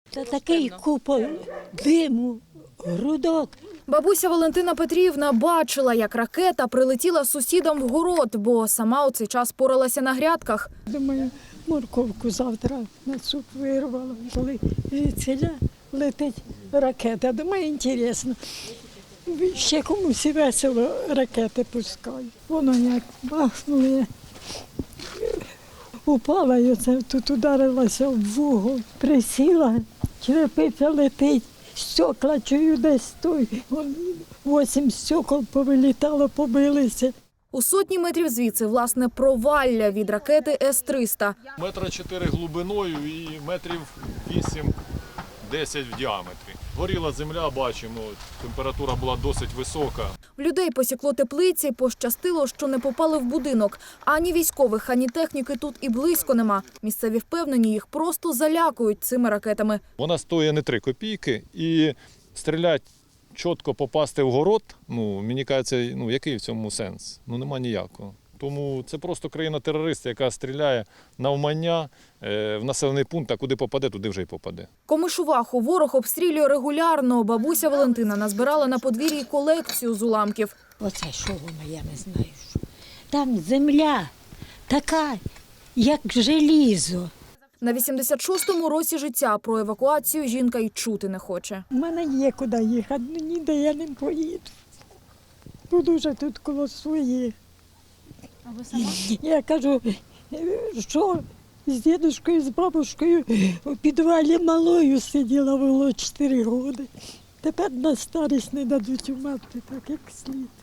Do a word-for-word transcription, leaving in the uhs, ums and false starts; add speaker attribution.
Speaker 1: Та такий купол диму, грудок.
Speaker 2: Бабуся Валентина Петрівна бачила, як ракета прилетіла сусідам в город, бо сама у цей час поралася на грядках.
Speaker 1: Думаю, морковку завтра на суп вирвала, коли звідсіля летить ракета. Думаю, інтересно. Ще комусь і весело ракети пускають. Воно як бахнуло, упала і оце тут ударилася в вугол. Присіла, черепиця летить, стекла чую десь той. Вісім стекол повилітало, побилися.
Speaker 2: У сотні метрів звідси, власне, провалля від ракети С триста.
Speaker 3: Метра чотири глибиною і метрів вісім-десять в діаметрі. Горіла земля, бачимо, температура була досить висока.
Speaker 2: В людей посікло теплиці, пощастило, що не попали в будинок. Ані військових, ані техніки тут і близько нема. Місцеві впевнені, їх просто залякують цими ракетами.
Speaker 3: Вона стоїть не три копійки і стрілять чітко попасти в город, ну, мені кажеться, ну, який в цьому сенс? Ну, нема ніякого. Тому це просто країна-терорист, яка стріляє навмання е, в населений пункт, а куди попаде, туди вже й попаде.
Speaker 2: Комишуваху ворог обстрілює регулярно. Бабуся Валентина назбирала на подвір'ї колекцію з уламків.
Speaker 1: Оце що воно, я не знаю. Що. Там земля така, як желізо.
Speaker 2: На вісімдесят шостому році життя про евакуацію жінка й чути не хоче.
Speaker 1: У мене є куди їхати, ну ніде я не поїду. Буду вже тут коло своїх.
Speaker 2: А ви сама?
Speaker 1: Я кажу, що з дідушкою, з бабушкою у підвалі малою сиділа, було чотири роки. Тепер на старість не дадуть умерти так, як слід.